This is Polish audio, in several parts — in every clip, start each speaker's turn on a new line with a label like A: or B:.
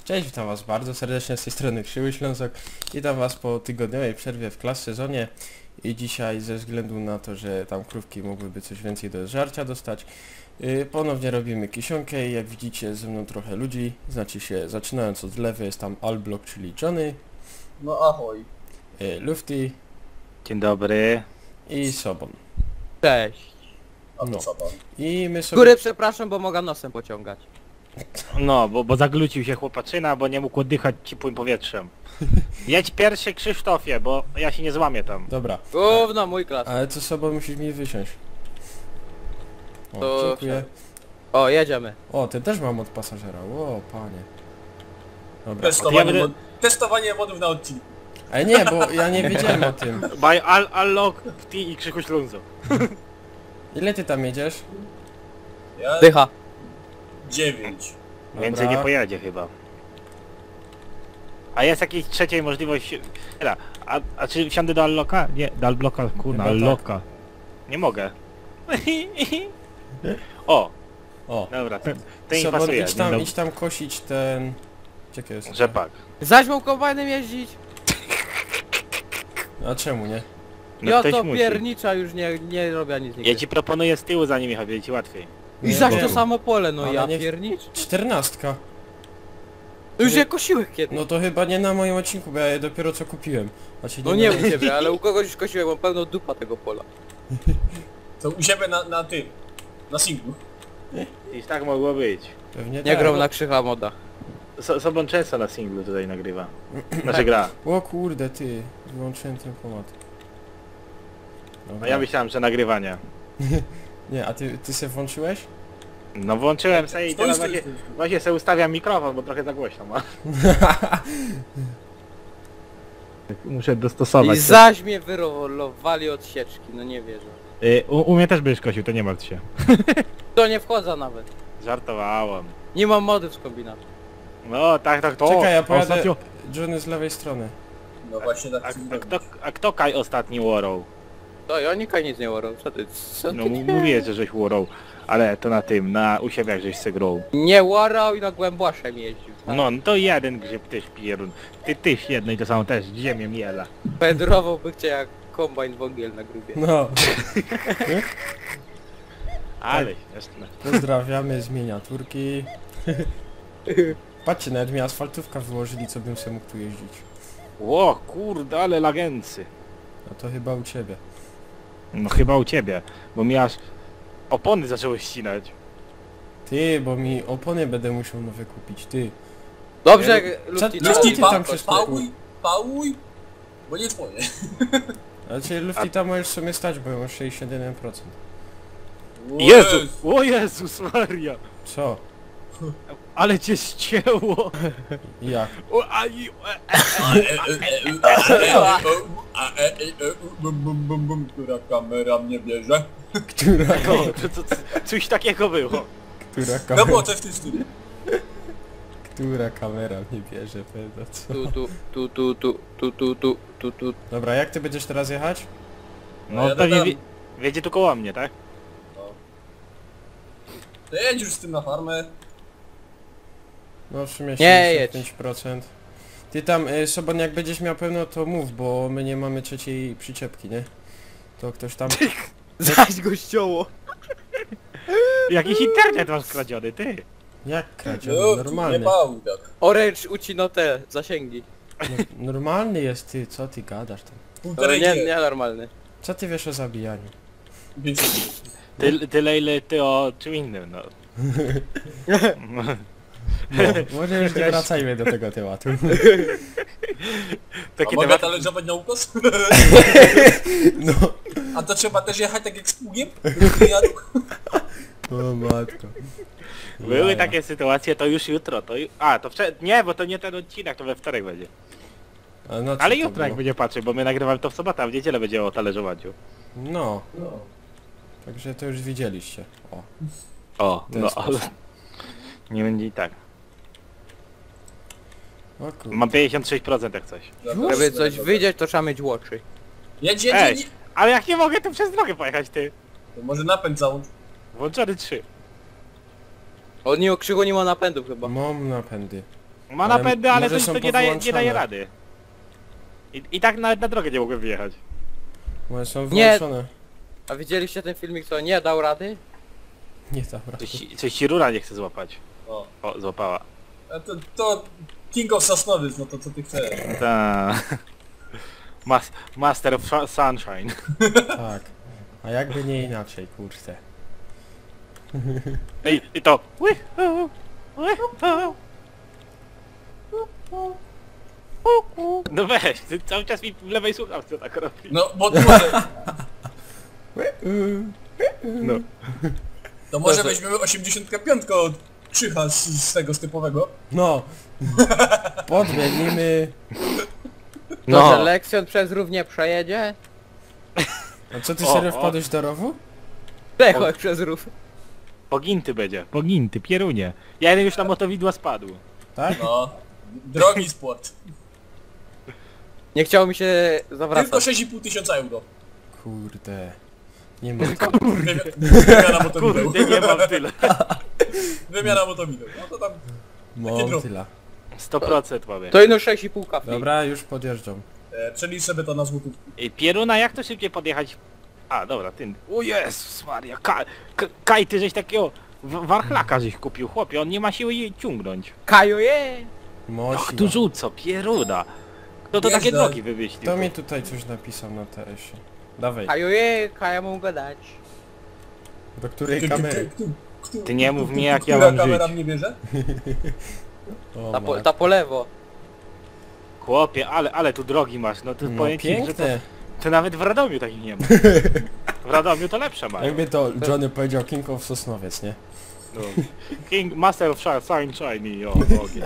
A: Cześć, witam was bardzo serdecznie z tej strony Krzywy Ślązok. Witam was po tygodniowej przerwie w class sezonie i dzisiaj ze względu na to, że tam krówki mogłyby coś więcej do żarcia dostać, ponownie robimy kisionkę i jak widzicie ze mną trochę ludzi, znaczy się zaczynając od lewej jest tam Alblock, czyli Johnny.
B: No ahoj.
A: Lufty.
C: Dzień dobry.
A: I Sobon.
D: Cześć.
B: A to
A: No.
B: co pan?
A: I my
D: Z
A: sobie...
D: góry przepraszam, bo mogę nosem pociągać.
C: No, bo zaglucił się chłopaczyna, bo nie mógł oddychać ciepłym powietrzem. Jedź pierwszy, Krzysztofie, bo ja się nie złamię tam.
A: Dobra,
D: Gówno, mój klas.
A: ale co Sobon musisz mi wysiąść. O,
D: To
A: dziękuję.
D: O, jedziemy.
A: O, ty też mam od pasażera, o panie. Dobra.
B: Testowanie,
C: ja będę-
B: testowanie modów na odcinku.
A: Ale nie, bo ja nie wiedziałem o tym.
C: By Allock, Ty i Krzychu Ślązok.
A: Ile ty tam jedziesz?
B: Ja
D: Dycha.
B: 9.
C: Więcej
A: Dobra.
C: nie pojedzie chyba. A jest jakaś trzeciej możliwość... A czy wsiądę do Allocka? Nie, do Alblocka, kurna,
A: Chyba tak.
C: Allocka. Nie mogę. O,
A: O,
C: dobra, to mi
A: Sobon,
C: pasuje.
A: idź tam kosić ten... Czekaj, jest.
C: Rzepak.
D: Zaś kombajnem jeździć?
A: A czemu nie?
C: No
D: Ja
C: ktoś
D: to
C: musi.
D: piernicza już nie robię nic nigdy.
C: Ja ci proponuję z tyłu za nimi, będzie ci łatwiej.
D: I
A: Nie
D: zaś to
A: wiem.
D: samo pole, no
A: Ale
D: ja
A: nie-
D: piernicz.
A: 14.
D: Już je kosiłeś kiedyś.
A: No to chyba nie na moim odcinku, bo ja je dopiero co kupiłem. Znaczy,
D: No nie
A: na-
D: u ciebie, ale u kogoś już kosiłem, mam pełną dupa tego pola.
B: To u siebie na tym. Na singlu.
C: I tak mogło być.
A: Pewnie
D: Nie
A: tak.
D: grał na krzycha moda.
C: Sobon często na singlu tutaj nagrywa. Znaczy gra.
A: O kurde, ty. Wyłączyłem ten pomad.
C: A
A: Dobra.
C: ja myślałem, że nagrywanie.
A: Nie, a ty se włączyłeś?
C: No włączyłem sobie i
B: Stoi,
C: teraz
B: stoi,
C: właśnie,
B: stoi.
C: właśnie sobie ustawiam mikrofon, bo trochę za głośno ma. Muszę
D: I
C: dostosować.
D: zaś mnie wyrolowali od sieczki, no nie wierzę.
C: U mnie też byś kosił, to nie martw się.
D: To nie wchodzę nawet.
C: Żartowałem.
D: Nie mam mody z kombinatu.
C: No tak, to.
A: Czekaj, ja pojadę...
C: Ostatnio...
A: Johnny z lewej strony.
B: No właśnie tak
C: A,
B: chcę
C: a, kto Kaj ostatni łorął?
D: To ja nikaj nic nie łorą, co
C: No
D: ty?
C: mówię, że żeś łorął. Ale to na tym, u siebie jak żeś se grał.
D: Nie łarał i na głębłaszem jeździł. Tak?
C: No to jeden grzyb tyś pierun. Tyś jedno i to samo też, ziemię miela.
D: Pedrowałby cię jak kombajn wągiel na grubie.
A: No.
C: Ale śmieszne.
A: Pozdrawiamy z miniaturki. Patrzcie, nawet mi asfaltówka wyłożyli, co bym sobie mógł tu jeździć.
C: Ło kurde, ale lagency.
A: A to chyba u ciebie.
C: No chyba u ciebie, bo mi aż opony zaczęły ścinać.
A: Ty, bo mi opony będę musiał nowe kupić, ty.
D: Dobrze,
A: Co-
D: Lufti,
A: co
B: Lufti,
A: ty tam przez to-
B: pałuj, bo nie twoje.
A: Znaczy Lufty tam możesz sobie stać, bo ja mam 61%.
C: Jezu! O Jezus Maria!
A: Co?
C: Ale cię ścięło!
A: Jak?
C: O,
B: Która kamera mnie bierze?
A: Która,
C: no, coś takiego było.
A: która
B: No
A: kamera,
B: było coś w tym stylu.
A: która kamera mnie bierze, pewno, co?
D: tu.
A: Dobra, jak ty będziesz teraz jechać?
C: No
B: ja
C: pewnie
B: dodam.
C: wiedzie tu koło mnie, tak?
B: To jedź już z tym na farmę.
A: No w sumie
D: Nie jedź.
A: 75%. Ty tam, Sobon, jak będziesz miał pełno, to mów, bo my nie mamy trzeciej przyczepki, nie? To ktoś tam...
D: Zaś go ścioło.
C: Jakiś internet masz kradziony, ty!
A: Jak kradzie?
B: No, nie
A: Normalny.
B: pałuj tak.
D: Orange ucino te zasięgi.
A: No, normalny jest ty, co ty gadasz tam?
B: Półtorej
D: Nie,
B: G.
D: nie normalny.
A: Co ty wiesz o zabijaniu?
B: Więc
C: Tyle ile ty o czym innym, no.
A: No, może już nie wracajmy do tego tematu.
B: a
C: Taki
B: mogę
C: temat...
B: talerzować na ukos?
A: No.
B: A to trzeba też jechać tak jak z pługiem?
A: O matko.
C: Były
A: Jaja.
C: takie sytuacje, to już jutro, to A, to nie, bo to nie ten odcinek, to we wtorek będzie.
A: A no co
C: Ale
A: to
C: jutro jak
A: było?
C: będzie patrzył, bo my nagrywamy to w sobotę, a w niedzielę będzie o talerzowaniu.
A: No. Także to już widzieliście. O.
C: O,
A: ten
C: no
A: sposób.
C: ale... Nie będzie i tak.
A: O kurde.
C: Mam 56% jak coś.
D: Żeby coś wyjdzieć, to trzeba mieć łoczy.
B: Jedź, jedź,
C: Ej,
B: jedź.
C: ale jak nie mogę, to przez drogę pojechać, ty.
B: To może napęd załóż.
C: Włączony 3.
D: On nie o krzyku nie ma napędów chyba.
A: Mam napędy.
C: Ma
A: Ale
C: napędy, ale
A: może
C: to
A: są
C: nie daje
A: powłączane.
C: rady. I tak nawet na drogę nie mogłem wyjechać.
A: One są
D: Nie.
A: włączone.
D: A widzieliście ten filmik, co nie dał rady?
A: Nie dobra.
C: Coś ci rura nie chce złapać.
B: O.
C: O, złapała.
B: A to King of Sosnowiec, no to co ty chcesz?
C: Ta. Master of Sunshine.
A: Tak. A jakby nie inaczej, kurczę.
C: Ej, i to. No weź, ty cały czas mi w lewej słuchawce tak robi.
B: No, bo to może,
C: No.
B: to może
D: Proszę.
B: weźmiemy 85 od Krzycha z tego typowego.
A: No. Podmienimy.
D: To, że Lekcjon przez rów nie przejedzie?
A: A co, ty
C: O,
A: serio
C: o.
A: wpadłeś do rowu?
D: Przejechał przez rów.
C: Poginty będzie. Poginty, pierunie. Ja jeden już na motowidła spadł.
A: Tak?
B: No. Drogi sport.
D: Nie chciało mi się
B: Tylko
D: zawracać.
B: 6,5 tysiąca euro.
A: Kurde. Nie ma.
B: Wymiana motowideł.
C: Kurde, nie mam tyle.
B: Wymiana motowideł. No to tam...
A: Mam tyle.
C: 100% mamy.
D: To ino 6,5 kafi.
A: Dobra, już podjeżdżam.
B: Przelicz sobie to na złotówki.
C: Ej, pieruna, jak to szybciej podjechać? A, dobra, ty. O Jezus Maria, Kaj, ty żeś takiego warchlaka żeś kupił, chłopie, on nie ma siły jej ciągnąć.
D: Kaju je!
A: Mosi.
C: Ach, tu rzuco, pieruna. Kto to
B: Jeżdżę.
C: takie drogi wymyślił?
A: Kto mi tutaj coś napisał na TS-ie? Dawaj.
D: Kaju je, kaja mu gadać.
A: Do której kamery?
C: Ty nie mów mi, jak ja
B: Która
C: mam
B: kamera
C: żyć.
B: mnie bierze?
A: O,
D: Ta po lewo.
C: Chłopie, ale tu drogi masz, no to
A: no
C: powiem ci, że to,
A: piękne.
C: to nawet w Radomiu takich nie ma. W Radomiu to lepsze mają.
A: Jakby to Johnny powiedział King of Sosnowiec, nie?
C: No. King Master of Sunshine i o, ogień.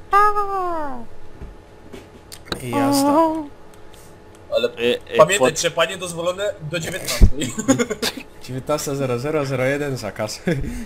A: I jazda.
B: Ale pamiętaj, trzepanie dozwolone do 19.
A: 19.0001 zakaz.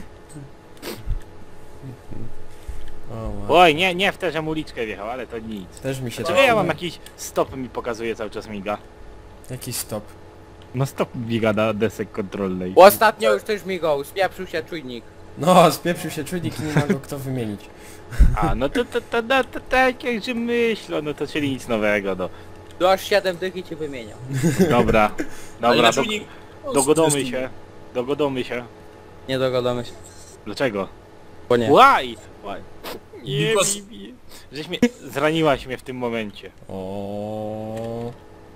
A: O, ma.
C: Oj, nie w tę, żem uliczkę wjechał, ale to nic.
A: Też mi się
C: Czy ja mam jakiś stop mi pokazuje cały czas miga?
A: Jaki stop?
C: No stop miga na desek kontrolnej.
D: Ostatnio już też migał, spieprzył się czujnik.
A: No, spieprzył się czujnik i nie ma go kto wymienić.
C: A, no to tak jak że myślę, no to czyli nic nowego, no.
D: Tu aż 7 dych i cię wymieniał.
C: Dobra,
B: Ale
C: dobra,
B: na czujnik... o,
C: dogodomy się. Dogodomy się.
D: Nie dogadamy się.
C: Dlaczego?
D: Bo nie.
C: Why? Nie,
B: Because-
C: Bibi. Żeś mnie... Zraniłaś mnie w tym momencie.
A: O.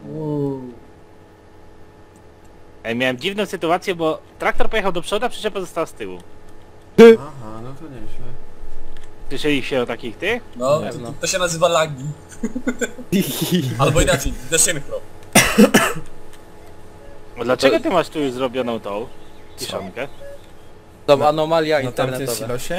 C: Ej, miałem dziwną sytuację, bo traktor pojechał do przodu, a przyczepa została z tyłu.
A: Aha, no to nieźle.
C: Słyszeliście o takich tych?
B: No,
D: Pewno.
B: to się nazywa lagi. Albo inaczej, desynchro.
C: A dlaczego ty masz tu już zrobioną tą kiszonkę?
D: To anomalia
A: Na tamtym
D: internetowa.
A: silosie?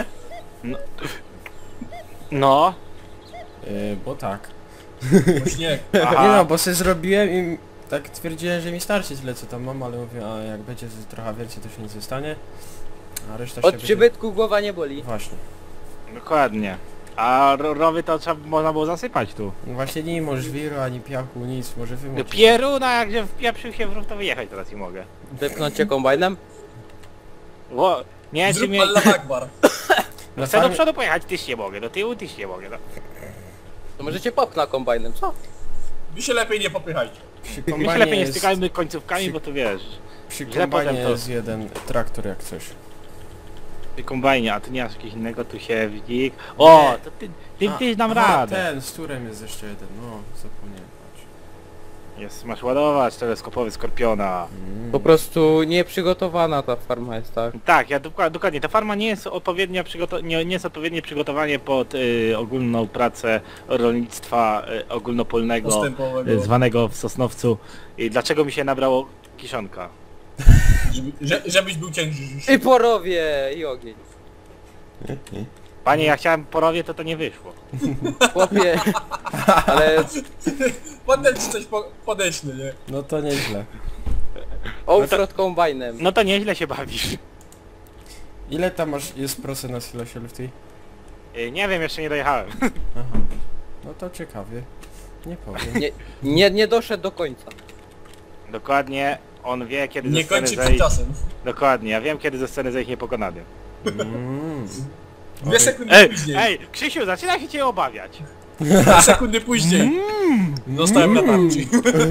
C: No.
A: Bo tak.
B: Śnieg.
C: Aha.
A: Nie no, bo sobie zrobiłem i tak twierdziłem, że mi starczy tyle co tam mam, ale mówię, a jak będzie trochę więcej to się nic nie stanie. A reszta się
D: Od
A: będzie...
D: przybytku głowa nie boli.
A: Właśnie.
C: Dokładnie. A rowy to trzeba, można było zasypać tu.
A: No właśnie nie ma żwiru, ani piachu, nic, może
C: No
A: wymoczyć.
C: pieruna, jakże wpieprzył się w rów, to wyjechać teraz i mogę.
D: Wypnąć cię kombajnem?
C: Ło, nie, czy
B: Zrób
C: mnie...
B: Allah Akbar.
A: Na
C: Chcę do
A: farmie,
C: przodu pojechać, tyś nie mogę, do tyłu tyś nie mogę. No.
D: To może cię popchnę kombajnem, co?
B: Wy się lepiej nie popychajcie.
A: przy
C: My się
A: kombajnie
C: lepiej nie
A: jest,
C: stykajmy końcówkami, bo to wiesz,
A: przy
C: źle
A: kombajnie
C: potem to-
A: jest jeden traktor jak coś.
C: ty kombajnie, a ty nie masz jakiegoś innego tu siewnik. O,
A: Nie.
C: to ty dam
A: aha,
C: radę.
A: ten, z turem jest jeszcze jeden, no zapomniałem.
C: Jest, masz ładować teleskopowy Skorpiona.
D: Po prostu nieprzygotowana ta farma jest, tak?
C: Tak, ja dokładnie, ta farma nie jest odpowiednio nie jest odpowiednie przygotowanie pod ogólną pracę rolnictwa ogólnopolnego,
B: Postępowego.
C: zwanego w Sosnowcu. I dlaczego mi się nabrało kiszonka?
B: Żebyś był cięższy.
D: I porowie, i ogień.
C: Panie, ja chciałem porowie, to nie wyszło.
D: Chłopie, ale
B: Potem ci coś podeślę, nie?
A: No to nieźle.
D: offroad kombajnem.
C: No to nieźle się bawisz.
A: Ile tam masz, jest procent na silosie Lufty?
C: Nie wiem, jeszcze nie dojechałem.
A: Aha. No to ciekawie. Nie powiem.
D: Nie doszedł do końca.
C: Dokładnie, on wie kiedy
B: Nie
C: ze sceny
B: kończy przed
C: zejść.
B: czasem.
C: Dokładnie, ja wiem kiedy ze sceny zejść niepokonany.
A: Mm.
B: 2 sekundy
C: Ej,
B: później.
C: ej, Krzysiu, zaczyna się cię obawiać.
B: 2 sekundy później. Zostałem na tarczy.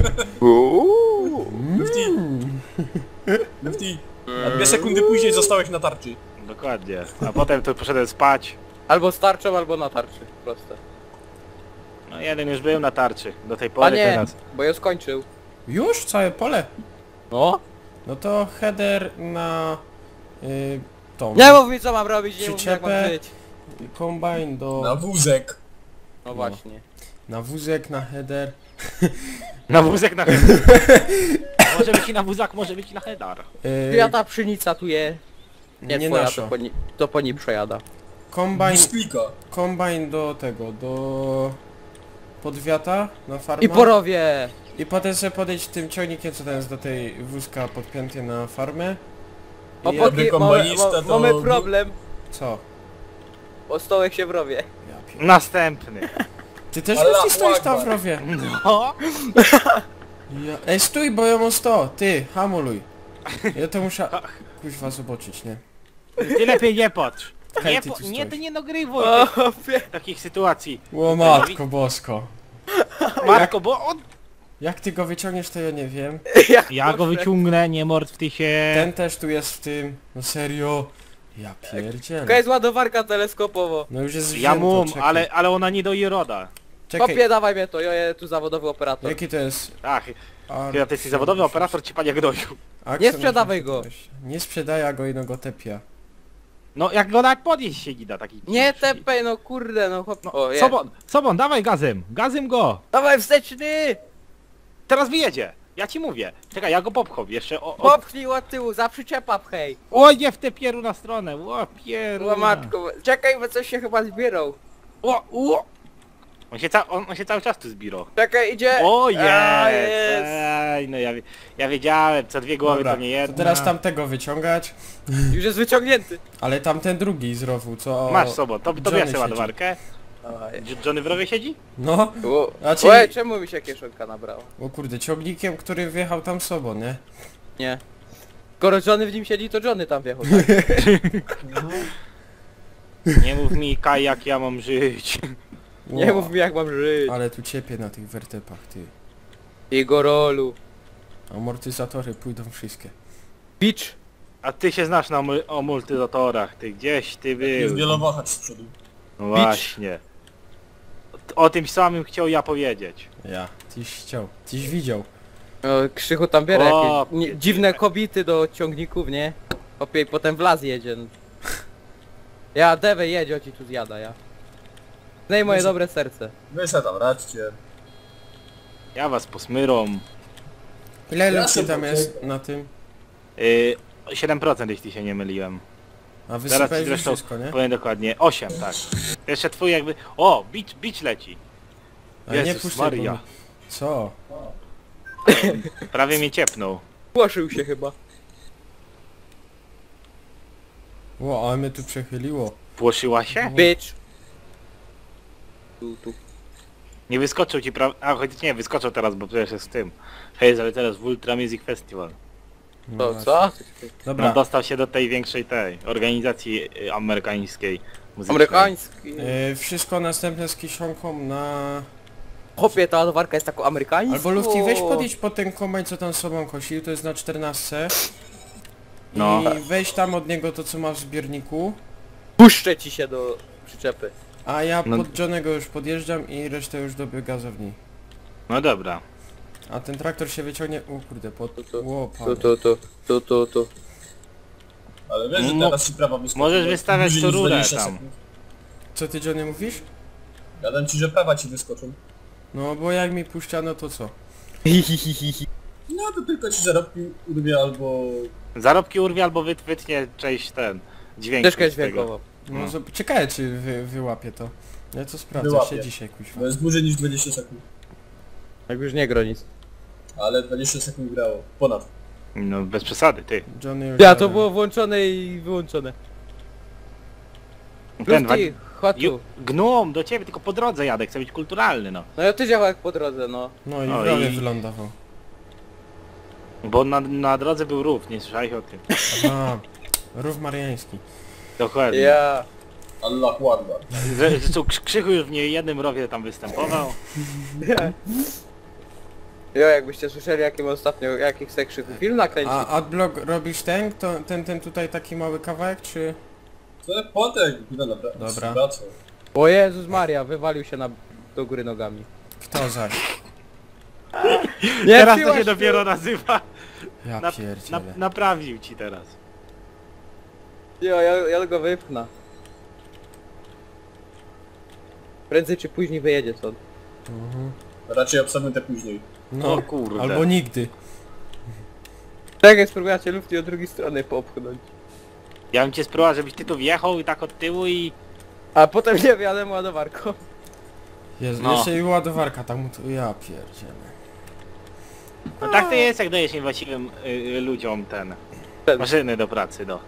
B: Lufty, a 2 sekundy później zostałeś na tarczy.
C: Dokładnie. A potem to poszedłem spać.
D: Albo z tarczą, albo na tarczy. Proste.
C: No jeden już był na tarczy. Do tej pory
D: Panie,
C: teraz.
D: bo ja skończył.
A: Już? Całe pole?
D: No?
A: No to header na tą.
D: Nie mów mi co mam robić, nie mów mi jak mam
A: Przyczepę.
D: żyć.
A: Kombajn do...
B: Na wózek.
D: No właśnie.
A: Na wózek, na header.
C: Na wózek na Może być i na wózak, może być i na headar.
D: Ja ta pszenica tu je. Nie,
A: nie
D: twoja,
A: nasza.
D: to po niej przejada.
A: Kombajn,
B: Bisklika.
A: kombajn do tego, do podwiata na farmę.
D: I porowie!
A: I potem sobie podejść tym ciągnikiem, co tam jest do tej wózka podpięty na farmę.
D: O,
A: I
B: Dobry kombajnista to-
D: mamy problem,
A: co?
D: bo stołek się wrowie.
A: Ja
C: Następny.
A: Ty też
B: Allah
A: musisz stoić tam w
B: Akbar.
A: rowie.
C: No.
A: Ja... Ej, stój, bo ja mam 100. Ty, hamuluj. Ja to muszę... Kuźwa zobaczyć, nie?
C: Ty lepiej nie patrz.
A: Hej,
C: Nie,
A: ty tu
C: nie, ty
A: stoisz.
C: nie nagrywuj
D: O,
C: takich sytuacji.
A: O matko bosko.
C: Matko, bo on...
A: Jak ty go wyciągniesz, to ja nie wiem.
C: Ja go wyciągnę, nie martw ty się.
A: Ten też tu jest w tym. No serio. Ja
D: Taka
A: pierdzielę.
D: jest ładowarka teleskopowo.
A: No już jest
C: Ja
A: wzięto,
C: mum,
A: czekaj.
C: ale ona nie doi roda.
A: Czekaj,
D: Kopie, dawaj mnie to, ja tu zawodowy operator.
A: jaki to jest?
C: Ach,
A: Ar-
C: chyba ty jesteś zawodowy operator ci panie gnoju.
A: Axon
D: Nie sprzedawaj go.
A: 88. Nie sprzedaję go i no go tepia.
C: No jak go nawet podnieść się nie da taki.
D: Nie tepej, no kurde, no chłop... O, jest.
C: Sobon, dawaj gazem, gazem go.
D: Dawaj wsteczny!
C: Teraz wyjedzie. Ja ci mówię. Czekaj, ja go popcham jeszcze.
D: Popchnij od tyłu, za przyczepa pchej.
C: O nie w tę pieru na stronę. O pieru.
D: Łamatko, czekaj, bo coś się chyba zbierał.
C: O. On się cały czas tu zbirał.
D: Czekaj, idzie.
C: O
D: A,
C: jest. Ej, no ja wiedziałem, co dwie głowy
A: Dobra,
C: to nie jedna.
A: to teraz tamtego wyciągać.
D: Już jest wyciągnięty.
A: Ale tamten drugi z rowu, co...
C: Masz Sobon, to
A: Johnny
C: bierz sobie
A: siedzi.
C: ładowarkę. Johnny w rowie siedzi?
A: No.
D: O,
A: Znaczy-
D: Oj, czemu mi się kieszonka nabrała?
A: O kurde, ciągnikiem, który wjechał tam sobą, nie?
D: Nie. Skoro Johnny w nim siedzi, to Johnny tam wjechał. Tak?
C: Nie mów mi Kaj, jak ja mam żyć.
D: Nie
A: Wow.
D: mów mi jak mam żyć.
A: Ale tu ciepie na tych wertepach, ty.
D: Jego rolu.
A: Amortyzatory pójdą wszystkie.
D: Beach.
C: A ty się znasz na amortyzatorach, ty gdzieś ty
B: Jest
C: był.
B: wielowahacz z przodu.
C: No właśnie. O tym samym chciał ja powiedzieć.
A: Ja. Tyś chciał. Tyś widział.
D: O, Krzychu tam biera
C: O,
D: jakieś dziwne kobiety do ciągników, nie? Opie, i potem w las jedzie. Ja, Dewe jedzie, o ci tu zjada, ja. No i moje dobre serce.
B: Wy se tam radźcie.
C: Ja was posmyrą.
A: Ile
B: Ja
A: lekcji
B: sobie
A: tam
B: powiem.
A: jest na tym?
C: 7% jeśli się nie myliłem.
A: A
C: Zaraz ci
A: wysypałeś już
C: zresztą
A: wszystko, nie?
C: powiem dokładnie. 8, tak. Jeszcze twój jakby... O! Beach leci.
A: Ale nie
C: Jezus
A: puszczaj,
C: Maria.
A: bo mi- Co?
C: Prawie mnie ciepnął.
D: Płoszył się chyba.
A: Ło, ale mnie tu przechyliło.
C: Płoszyła się?
D: Bitch. Tu.
C: Nie wyskoczył ci A choć nie, wyskoczył teraz, bo przecież jest w tym. Hej, ale teraz w Ultra Music Festival.
A: No
D: To
A: właśnie.
D: co?
A: Dobra.
C: No dostał się do tej większej organizacji amerykańskiej muzycznej.
D: Amerykański.
A: Wszystko następne z kieszonką na...
D: Chłopie, ta ładowarka jest taką amerykańską.
A: Albo Lufty, weź podjedź po ten kombajn, co tam sobą kosił, to jest na 14.
C: No.
A: I weź tam od niego to, co ma w zbiorniku.
D: Puszczę ci się do przyczepy.
A: A ja
C: No.
A: pod Johnego już podjeżdżam i resztę już do biogazowni.
C: No dobra.
A: A ten traktor się wyciągnie... O kurde, pod...
D: Tu.
A: Ło,
D: Tu,
A: padł.
D: tu.
B: Ale wiesz, że
C: Mo-
B: teraz ci prawa wyskoczą.
C: możesz wystawiać
B: Dłużej
C: tu
B: niż
C: rurę
B: 20
C: tam.
B: sekund.
A: Co ty, Johnny, mówisz?
B: Gadam ci, że prawa ci wyskoczą.
A: No bo jak mi puszczano, to co?
B: No to tylko ci zarobki urwie albo...
C: Zarobki urwie albo wytnie część dźwięk.
D: Ścieżkę
C: z tego.
D: dźwiękową.
A: No,
C: No.
A: ciekawe czy wyłapie to. Ja to sprawdzę
B: Wyłapie.
A: się dzisiaj, kuźwa.
B: Bo jest dłużej niż 20 sekund.
D: Jak już nie gro nic.
B: Ale 20 sekund grało. Ponad.
C: No bez przesady, ty.
A: Johnny już
D: Ja, to
A: jadę.
D: było włączone i wyłączone.
C: Ten
D: Lufty, chodź tu.
C: Gnum, do ciebie, tylko po drodze jadę, chcę być kulturalny, no.
D: No ja ty działał jak po drodze, no.
A: No i
C: O,
A: w rowie
C: i-
A: wylądował.
C: Bo na drodze był rów, nie słyszałeś o tym.
A: Aha, rów mariański.
C: Dokładnie.
D: Ja.
B: Allahu Akbar.
C: Zresztą Krzychu już w niejednym rowie tam występował.
D: Jo, jakbyście słyszeli jakim ostatnio, jakich se Krzychu film nakręcił.
A: A Adblock robisz ten tutaj taki mały kawałek, czy...
B: To jest potek, no dobra.
A: Dobra.
B: Wracam.
D: O Jezus Maria, wywalił się do góry nogami.
A: Kto zaś?
D: Nie,
C: Teraz to
D: piłaś
C: się
D: tu.
C: dopiero nazywa.
A: Ja pierdzielę.
C: Naprawił ci teraz.
D: Jo, ja go wypchnę. Prędzej czy później wyjedzie stąd.
A: Mhm.
B: Raczej absolutnie później.
A: No,
C: O kurde.
A: albo nigdy.
D: Tak jak spróbujecie lufty od drugiej strony popchnąć.
C: Ja bym cię spróbował, żebyś ty tu wjechał i tak od tyłu i...
D: A potem nie wjadę ładowarką.
A: Jezu,
C: No.
A: jeszcze i ładowarka tam... Ja pierdzielę.
C: No tak to jest, jak dajesz niewłaściwym ludziom ten... Maszyny do pracy, no.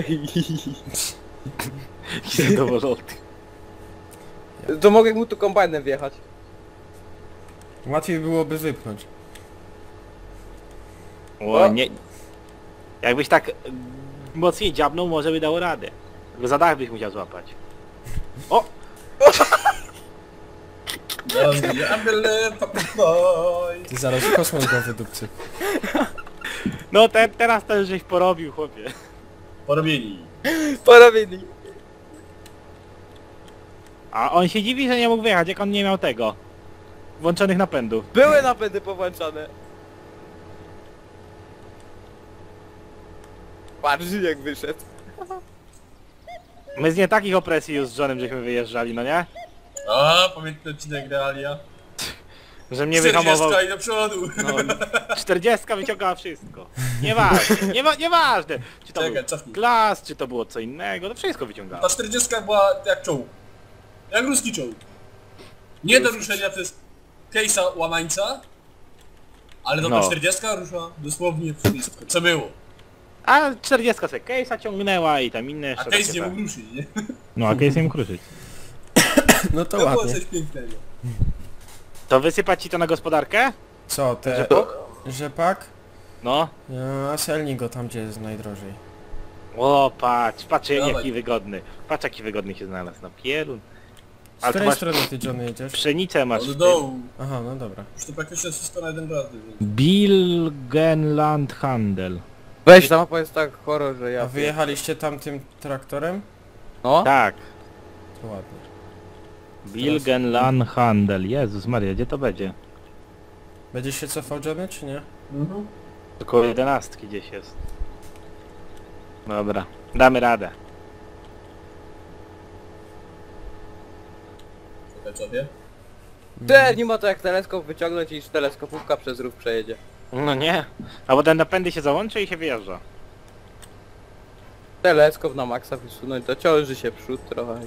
C: Zadowolony.
D: To mogę mu tu kombajnem wjechać.
A: Łatwiej byłoby wypchnąć.
C: O, nie... Jakbyś tak mocniej dziabnął, może by dało radę. Tylko za dach byś musiał złapać. O!
A: Ty zaraz kosmos go wydupcy.
C: No teraz to już żeś porobił, chłopie.
B: Porobieni.
D: Porobili.
C: A on się dziwi, że nie mógł wyjechać, jak on nie miał tego. Włączonych napędów.
D: Były napędy powłączane. Patrz jak wyszedł.
C: My z nie takich opresji już z Johnem żeśmy wyjeżdżali, no nie?
B: A, pamiętny odcinek Realia.
C: Że mnie wyhamował.
B: 40 i do przodu.
C: No, 40 wyciągała wszystko. Nieważne, nieważne. Czy to
B: Czekaj,
C: był
B: cofnij.
C: glas, czy to było co innego, to wszystko wyciągało.
B: Ta 40 była jak czołg. Jak ruski czołg. Nie do ruszenia przez case'a łamańca, ale to ta
C: No.
B: 40 rusza dosłownie wszystko, co było.
C: A 40 se case'a ciągnęła i tam inne
B: A
C: jeszcze
B: case
C: takie
B: nie
C: tam.
B: mógł ruszyć, nie?
C: No a case nie mógł ruszyć.
A: No to
B: To było
A: ładnie.
B: coś pięknego.
C: To wysypać ci to na gospodarkę?
A: Co, te...
C: Rzepak?
A: Rzepak?
C: No.
A: A selnij go tam, gdzie jest najdrożej.
C: O, patrz
B: Dawaj.
C: jaki wygodny. Patrz jaki wygodny się znalazł na pierun.
A: Z
C: Ale to
A: której
C: masz
A: strony ty, Johnny, jedziesz?
C: pszenicę masz.
B: Od
C: w tym.
B: dołu.
A: Aha, no dobra.
B: Już to praktycznie wszystko na jeden raz. Więc.
C: Bilgenland Handel.
D: Weź, ta mapa jest tak horror, że ja...
A: A wyjechaliście tam tym traktorem?
D: No?
C: Tak.
A: To ładnie.
C: Bilgenland Handel. Jezus Maria, gdzie to będzie?
A: Będziesz się cofał, Johnny, czy nie?
B: Mhm.
C: Około 11 gdzieś jest. Dobra, damy radę.
B: Czekaj, co wie?
D: Nie ma to jak teleskop wyciągnąć i teleskopówka przez rów przejedzie.
C: No nie. A potem napędy się załączy i się wyjeżdża.
D: Teleskop na maksa wysunąć, to ciąży się przód trochę.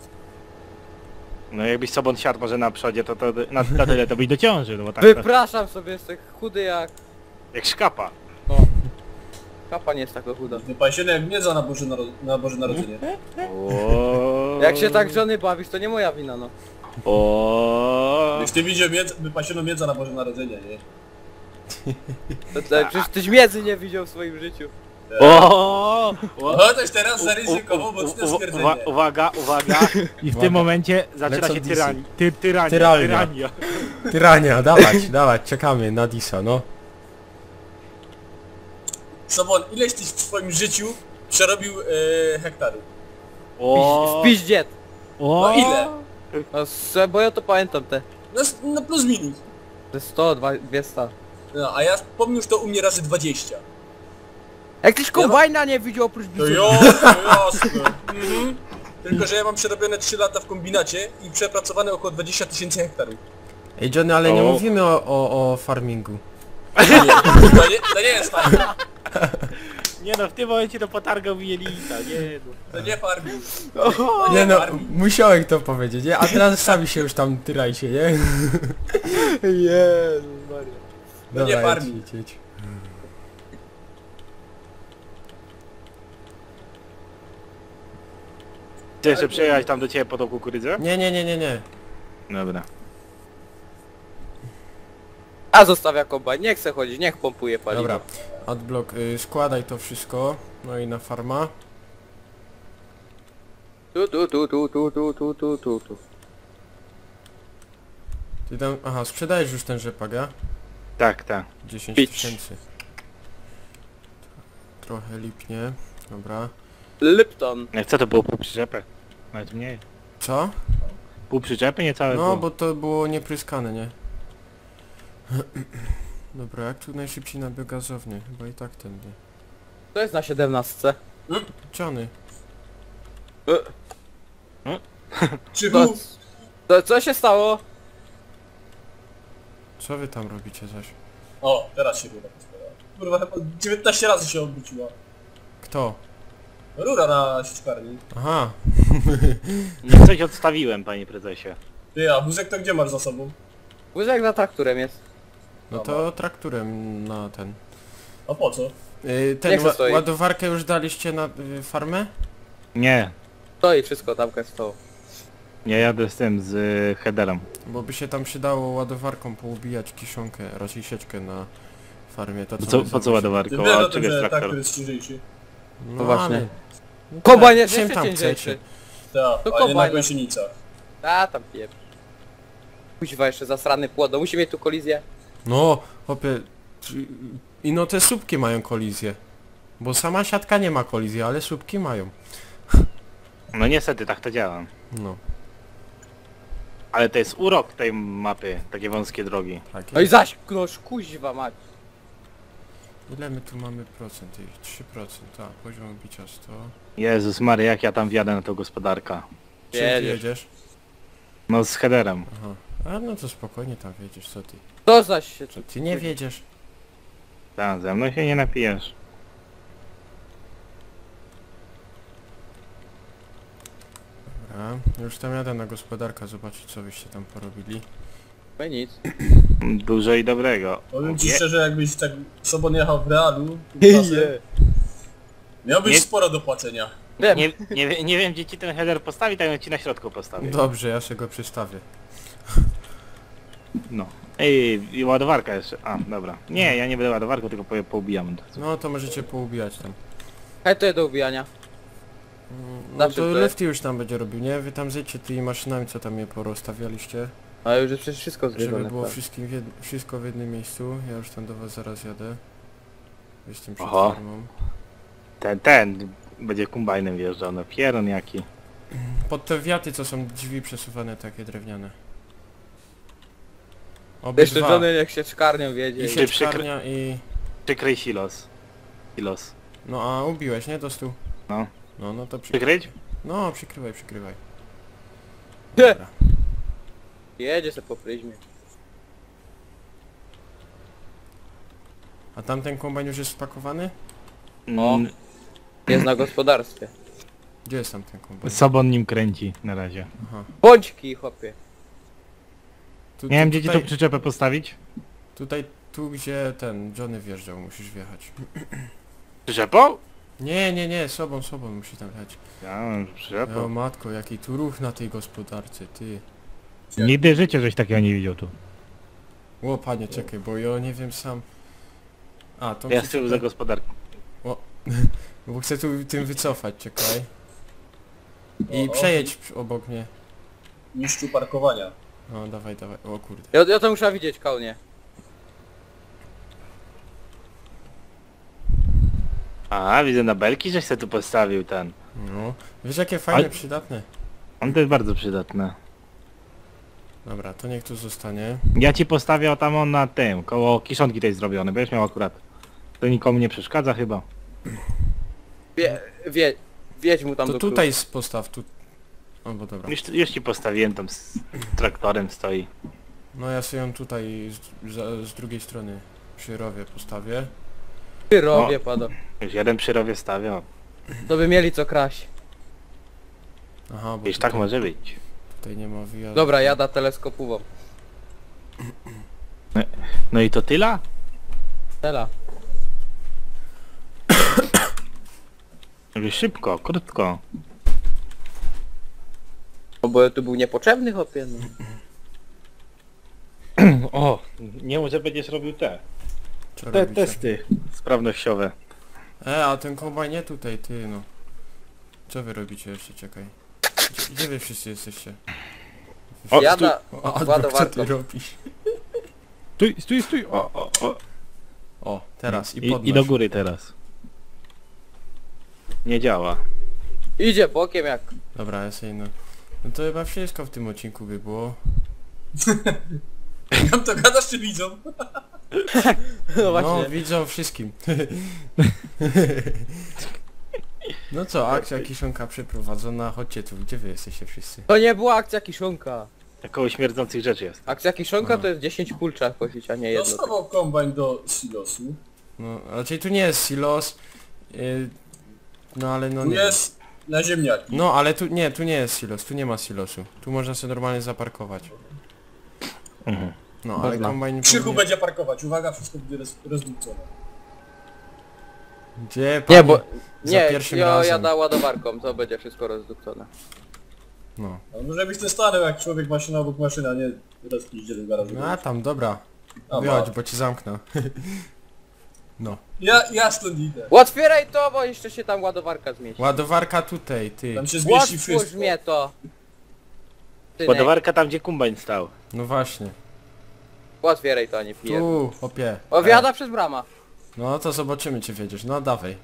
C: No jakbyś sobą siadł może na przodzie, to na tyle to byś dociążył, no bo tak to,
D: Wypraszam sobie, jestem chudy
C: jak szkapa.
D: No. Kapa nie jest taka chuda.
B: Wypasiony jak miedza na Boże Narodzenie.
C: O.
D: Jak się tak żony bawisz, to nie moja wina, no.
C: O.
B: Gdyś ty widział wypasioną miedza na Boże Narodzenie, nie?
D: Przecież tyś miedzy nie widział w swoim życiu.
C: O.
B: O, też teraz zaryzykował mocne stwierdzenie.
C: Uwaga. I w tym momencie zaczyna
A: Lecą
C: się
A: disy.
C: tyrania.
A: Tyralnia. Tyrania, dawać, czekamy na Disa, no.
B: Sobon, ileś tyś w swoim życiu przerobił hektarów?
C: O.
D: W piździet.
C: O.
B: No ile?
D: No, bo ja to pamiętam te.
B: No plus minus.
D: Te 100, 200.
B: No, a ja pomnóż to u mnie razy 20.
D: Jak tyś kombajna nie widział oprócz
B: To
D: bisu.
B: jasne. Mhm. Tylko, że ja mam przerobione 3 lata w kombinacie i przepracowane około 20 000 hektarów.
A: Ej, Johnny, ale nie
C: O.
A: mówimy o farmingu.
B: To nie jest fajne.
C: Nie no, w tym momencie to potargał mi jelita, nie no.
B: To nie farming.
A: Nie no,
B: farming.
A: musiałem to powiedzieć, nie? A teraz sami się już tam tyrajcie, nie?
D: Jezu Maria.
B: To nie
A: Dobra,
B: farming.
A: jedź.
C: Chcesz jeszcze przejechać tam do ciebie po tą kukurydzę?
A: Nie.
C: Dobra.
D: A zostawia kombajn, nie chce chodzić, niech pompuje paliwo.
A: Dobra, Adblock, składaj to wszystko, no i na farma.
D: Tu.
A: Ty tam... Aha, sprzedajesz już ten rzepak, ja?
C: Tak, tak.
A: 10
C: Pić.
A: tysięcy. Trochę lipnie. Dobra.
D: Lipton.
C: Jak co to było pół przyczepy? Nawet mniej.
A: Co?
C: Pół przyczepy, nie całe
A: No,
C: było.
A: bo to było niepryskane, nie? Dobra, jak tu najszybciej na biogazownię? Chyba i tak tędy.
D: To jest na 17.
A: Johnny.
B: Krzychu,
D: Co się stało?
A: Co wy tam robicie zaś?
B: o, teraz się rura pozbierała. Kurwa, chyba 19 razy się obróciła.
A: Kto?
B: Rura na sieczkarni.
A: Aha.
C: No coś odstawiłem, panie prezesie.
B: Ty, a wózek to gdzie masz za sobą?
D: Wózek za trakturem jest.
A: No to trakturem na ten.
B: A po co?
A: Ten
D: Niech se stoi.
A: ładowarkę już daliście na farmę?
C: Nie,
D: To i wszystko tam stało.
C: nie jadę z tym, z headerem.
A: Bo by się tam przydało ładowarką poubijać kiszonkę, raczej sieczkę na farmie. To,
C: Po
A: my
C: co
A: zawsze-
C: ładowarką?
B: Ty wiesz
C: A
B: o
C: od
B: tym,
C: czego jest
B: że
C: traktor?
B: traktor jest ciężejszy.
A: No
D: właśnie.
A: ale- No
D: Kombajn
A: tak,
D: jest
A: czym
D: jeszcze
A: tam
D: ciężejszy.
A: chcecie?
B: Tak,
D: To
B: a nie na
D: kombajn.
B: gąsienicach.
D: A tam pieprz. Kuźwa jeszcze zasrany płot, no musi mieć tu kolizję.
A: No, hopie... I no te słupki mają kolizję. Bo sama siatka nie ma kolizji, ale słupki mają.
C: No niestety, tak to działa.
A: No,
C: Ale to jest urok tej mapy, takie wąskie drogi.
A: tak
D: No i
A: jest.
D: zaś, noż kuźwa mać.
A: Ile my tu mamy procent? 3%, tak, poziom bicia 100.
C: Jezus Mary, jak ja tam wjadę na tą gospodarkę.
A: Czym ty
D: Jedziesz.
A: jedziesz?
C: No z headerem.
A: Aha. A no to spokojnie tam wiedziesz, co ty.
D: To zaś się...
A: Co ty nie wiedziesz?
C: Tam ze mną się nie napijesz.
A: Dobra, już tam jadę na gospodarkę zobaczyć, co wyście tam porobili.
D: No i nic.
C: Dużo i dobrego.
B: Powiem ci
C: Nie-
B: szczerze, jakbyś tak sobą jechał w realu, czasem, miałbyś
C: Nie-
B: sporo do płacenia.
D: Wiem.
C: Nie wiem gdzie ci ten header postawi, tak ci na środku postawię.
A: Dobrze, ja się go przystawię.
C: No. Ej, i ładowarka jeszcze. A, dobra. Nie, ja nie będę ładowarką, tylko poubijam.
A: No to możecie poubijać tam.
D: Hej, to jest do ubijania.
A: No
D: Zawsze
A: to
D: to jest.
A: Lefty już tam będzie robił, nie? Wy tam zejdźcie tymi maszynami, co tam je porozstawialiście.
D: Ale już jest przecież wszystko
A: Żeby
D: zgryzione.
A: było
D: tak.
A: wszystko w jednym miejscu. Ja już tam do was zaraz jadę. Jestem przed
C: Oho.
A: farmą.
C: Ten będzie kombajnem wjeżdżał, no pieron jaki.
A: Pod te wiaty, co są drzwi przesuwane, takie drewniane.
D: Jeszcze
A: Obydwa.
D: Johnny niech się czkarnią wiedzie.
A: I
D: i-
A: sieczkarnia i...
C: Przykryj silos. Silos.
A: No a ubiłeś, nie? Do stu.
C: No.
A: No to
C: Przykryć?
A: No, przykrywaj.
D: Nie.
A: Dobra.
D: Jedzie se po pryzmie.
A: A tamten kombajn już jest spakowany?
D: O.
C: Mm,
D: Jest na gospodarstwie.
A: Gdzie jest tamten kombajn?
C: Sobon nim kręci na razie.
A: Aha.
D: Bąćki, chłopie.
A: Tu,
C: Nie wiem gdzie ci
A: tutaj,
C: tą przyczepę postawić.
A: tu gdzie ten Johnny wjeżdżał, musisz wjechać.
C: Przyczepą?
A: Nie, sobą musi tam jechać.
C: Ja mam
A: O
C: przyczepą.
A: matko, jaki tu ruch na tej gospodarce, ty.
C: Nigdy w życiu żeś takiego nie widział tu.
A: O panie, czekaj, bo ja nie wiem sam... A, to
C: Ja z tyłu za gospodarką.
A: bo chcę tu tym wycofać, czekaj. I
B: O,
A: przejedź obok mnie.
B: Mistrzu parkowania.
A: No dawaj, o kurde.
D: Ja to muszę widzieć, kołnie.
C: A, widzę na belki, żeś se tu postawił ten.
A: No, wiesz jakie fajne,
C: Ale-
A: przydatne.
C: On to jest bardzo przydatne.
A: Dobra, to niech tu zostanie.
C: Ja ci postawię tam on na tym, koło kiszonki tej zrobione, będziesz miał akurat. To nikomu nie przeszkadza chyba.
D: Wiedź mu tam
A: To
D: do
A: tutaj postaw, tu... O, bo dobra.
C: Już ci postawiłem, tam z traktorem stoi.
A: No ja sobie ją tutaj z drugiej strony przy rowie postawię.
D: Ty robię, pada.
C: Już jeden przy rowie stawiał.
D: To by mieli co kraść.
A: Aha, bo
C: Wiesz,
A: tutaj,
C: tak może być.
A: tutaj nie ma wyjazdu.
D: Dobra, jada teleskopową.
C: No i to tyle?
D: Tela.
C: Żeby szybko, krótko.
D: No bo tu był niepotrzebny, chłopie. No.
C: O, nie może będziesz robił
A: Co
C: te
A: robicie?
C: testy sprawnościowe.
A: A ten kombajn nie tutaj, ty no. Co wy robicie jeszcze, czekaj. Gdzie wy wszyscy jesteście?
C: O,
D: Jada
A: O, Adbok, co ty
D: ładowarką.
A: robisz?
C: Stój, stój, stój! O.
A: O, teraz i
C: I
A: podnoś.
C: do góry teraz. Nie działa.
D: Idzie bokiem jak...
A: Dobra, ja sobie no to chyba wszystko w tym odcinku by było.
B: Tam to gadasz czy widzą?
D: No
A: No,
D: właśnie.
A: widzą wszystkim. No co, akcja kiszonka przeprowadzona, chodźcie tu, gdzie wy jesteście wszyscy?
D: To nie była akcja kiszonka.
C: Takoło śmierdzących rzeczy jest.
D: Akcja kiszonka
A: Aha.
D: to jest 10 pól trzeba kosić, a nie jedno.
B: Dostawał kombajn do silosu.
A: No, raczej tu nie jest silos. No ale no
B: Tu
A: nie.
B: jest na ziemniaki.
A: No ale tu nie jest silos, tu nie ma silosu. Tu można sobie normalnie zaparkować.
C: Mhm.
A: No ale
D: Można.
A: kombajn
B: Krzychu
A: powinien...
B: będzie parkować. Uwaga, wszystko będzie rozdupcone.
A: Gdzie
D: Nie, bo...
A: za
D: Nie,
A: pierwszym
D: ja
A: razem.
D: jada ładowarką, to będzie wszystko rozdukcone.
A: No.
B: Ale może byś ten stanął jak człowiek maszyna obok maszyna, nie rozpiździe do garażu.
A: No a tam, dobra.
B: A,
A: Wychodź,
B: ma.
A: bo ci zamknę. No.
B: Ja stąd idę.
D: Otwieraj to, bo jeszcze się tam ładowarka zmieści.
A: Ładowarka tutaj, ty.
B: Tam się zmieści
D: Otwórz
B: wszystko.
D: mnie to. Synek,
C: Ładowarka tam, gdzie kombajn stał.
A: No właśnie.
D: otwieraj to, a nie piję.
A: Tu, opie.
D: O, wjada przez brama.
A: No to zobaczymy czy wiedziesz. No dawaj.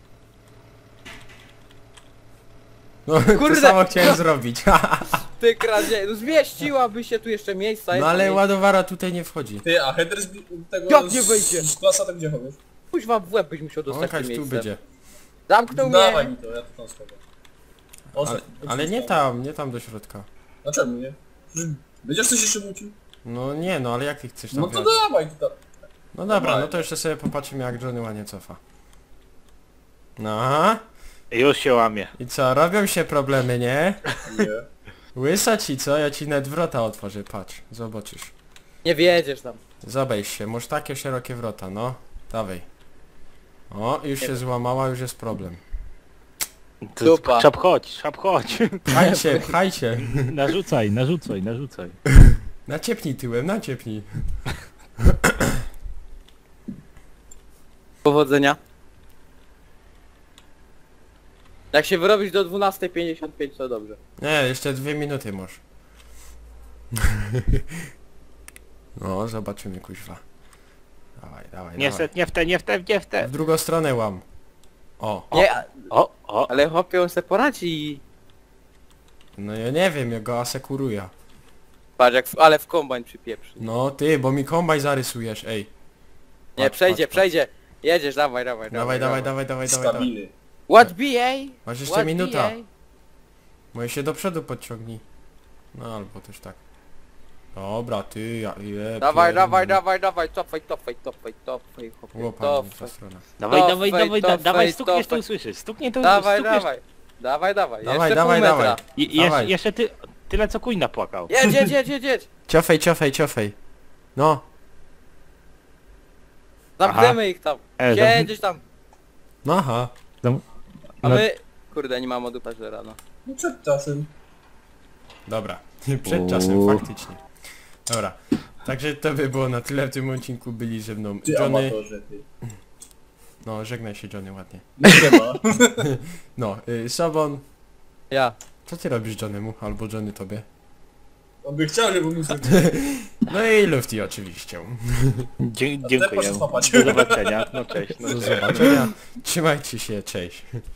A: No
D: Kurde.
A: to samo chciałem zrobić.
D: Ty kradzie, no zmieściłaby się tu jeszcze miejsca.
A: No
D: jest
A: ale
D: miejsce.
A: ładowara tutaj nie wchodzi.
B: Ty, a header z tego
D: Jak nie wyjdzie?
B: z klasa to gdzie chowasz?
D: Kuźwa w łeb byś musiał dostać
A: Łąkać
D: tym
A: tu
D: miejscem.
A: będzie.
D: Zamknął
B: Dawaj
D: mnie.
B: mi to, ja to tam schowam.
A: Ale,
B: Ostatni,
A: ale nie tam, nie tam do środka.
B: Dlaczego nie? Przecież będziesz coś jeszcze mówił?
A: No nie no, ale jak ty chcesz tam
B: No to
A: wjechać?
B: dawaj to.
A: No dobra,
B: dawaj.
A: no to jeszcze sobie popatrzymy jak Johnny ładnie cofa. No aha.
C: Już się łamie.
A: I co, robią się problemy, nie?
B: Nie.
A: Łysa ci co? Ja ci nawet wrota otworzę, patrz, zobaczysz.
D: Nie wiedziesz tam.
A: Zobejdź się, masz takie szerokie wrota, no. Dawaj. O, już się złamała, już jest problem.
D: Dupa.
C: Szap chodź, szap chodź.
A: Pchajcie, pchajcie.
C: Narzucaj, narzucaj, narzucaj.
A: Naciepnij tyłem, naciepnij.
D: Powodzenia. Jak się wyrobisz do 12:55 to dobrze.
A: Nie, jeszcze 2 minuty masz. No, zobaczymy kuźwa. Dawaj, dawaj,
C: Nie
A: dawaj.
C: w te, nie w te, nie w te, nie w te.
A: W drugą stronę łam. O,
D: Nie,
C: O.
D: ale chłopie on se poradzi.
A: no ja nie wiem, ja go asekuruję.
D: Patrz jak, ale w kombajn przypieprzy.
A: No ty, bo mi kombaj zarysujesz, ej.
D: Nie,
A: Patrz,
D: przejdzie,
A: patrz,
D: przejdzie. Jedziesz, dawaj, dawaj,
A: Dawaj, dawaj, dawaj, dawaj, dawaj, dawaj.
B: Stabily.
D: What BA?
A: Masz jeszcze
D: What
A: minuta.
D: BA?
A: Moje się do przodu podciągnij. No albo też tak. Dobra, ty, ja je,
D: Dawaj,
A: pierd-
D: dawaj, dawaj, dawaj, cofaj, chłopie,
A: Łopa, ta
D: cofaj.
A: strona.
C: Dawaj,
D: To
C: dawaj,
D: fej,
C: dawaj,
D: to
C: dawaj,
D: fej,
C: stukniesz
D: to
C: to
D: fej.
C: usłyszysz. Stuknie to
D: Dawaj,
C: stukniesz.
D: dawaj. Dawaj, dawaj,
A: Dawaj,
D: jeszcze
A: dawaj,
D: pół metra.
A: dawaj. Dawaj.
C: Jeszcze tyle co kuj napłakał.
D: Jedź, jedź, jedź, jedź, jedź.
A: Ciofej, ciofej, ciofej. No.
D: Zamkniemy ich tam. Siedzieć tam.
A: No aha.
D: A
C: No.
D: my... Kurde, nie mam modu paźdzera, no.
B: No przed czasem.
A: Dobra. Przed czasem, faktycznie. Dobra. Także to by było na tyle w tym odcinku. Byli ze mną
B: Ty
A: Johnny.
B: amatorze, ty.
A: No, żegnaj się Johnny ładnie.
B: Nie ma.
A: No, Sobon.
D: Ja.
A: Co ty robisz Johnnemu? Albo Johnny tobie?
B: On by chciał, żeby mu
A: No i Lufty oczywiście.
C: Dziękuję.
B: poszedł popać.
C: Do zobaczenia. No cześć. No
A: Do
C: cześć.
A: zobaczenia. Trzymajcie się, cześć.